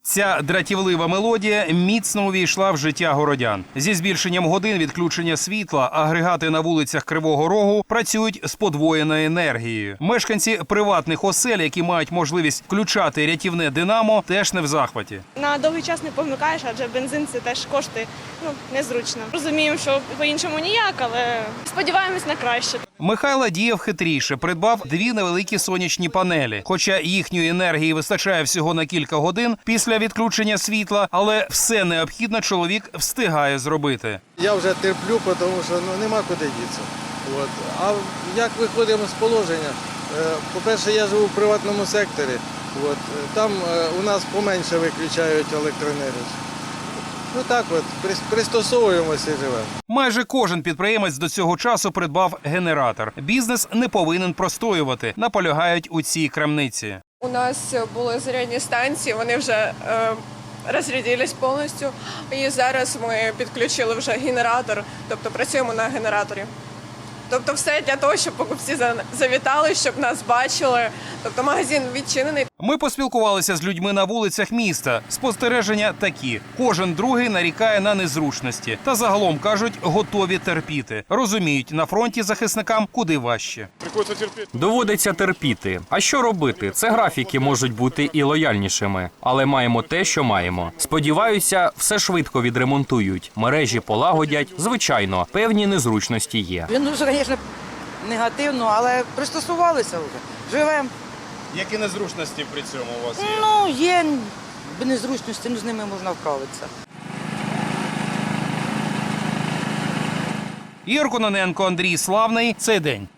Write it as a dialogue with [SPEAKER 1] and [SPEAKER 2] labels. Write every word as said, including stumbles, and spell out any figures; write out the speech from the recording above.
[SPEAKER 1] Ця дратівлива мелодія міцно увійшла в життя городян. Зі збільшенням годин відключення світла агрегати на вулицях Кривого Рогу працюють з подвоєною енергією. Мешканці приватних осель, які мають можливість включати рятівне динамо, теж не в захваті.
[SPEAKER 2] На довгий час не помикаєш, адже бензин – це теж кошти, ну, незручно. Розуміємо, що по-іншому ніяк, але сподіваємось на краще.
[SPEAKER 1] Михайло діяв хитріше, придбав дві невеликі сонячні панелі. Хоча їхньої енергії вистачає всього на кілька годин після відключення світла, але все необхідне чоловік встигає зробити.
[SPEAKER 3] Я вже терплю, тому що ну, нема куди дітися. От. А як виходимо з положення? По-перше, я живу в приватному секторі. От. Там у нас поменше виключають електроенергію. Ну так от, пристосовуємося і живемо.
[SPEAKER 1] Майже кожен підприємець до цього часу придбав генератор. Бізнес не повинен простоювати, наполягають у цій крамниці.
[SPEAKER 4] У нас були зарядні станції, вони вже е, розрядились повністю. І зараз ми підключили вже генератор, тобто працюємо на генераторі. Тобто все для того, щоб покупці завітали, щоб нас бачили. Тобто магазин відчинений.
[SPEAKER 1] Ми поспілкувалися з людьми на вулицях міста. Спостереження такі. Кожен другий нарікає на незручності. Та загалом, кажуть, готові терпіти. Розуміють, на фронті захисникам куди важче.
[SPEAKER 5] Доводиться терпіти. А що робити? Це графіки можуть бути і лояльнішими. Але маємо те, що маємо. Сподіваюся, все швидко відремонтують. Мережі полагодять. Звичайно, певні незручності є.
[SPEAKER 6] Він дуже, звісно, негативно, але пристосувалися вже. Живемо.
[SPEAKER 1] Які незручності при цьому у вас є?
[SPEAKER 6] Ну, є незручності, ну з ними можна вправитися.
[SPEAKER 1] Ігор Кононенко, Андрій Славний. Цей день.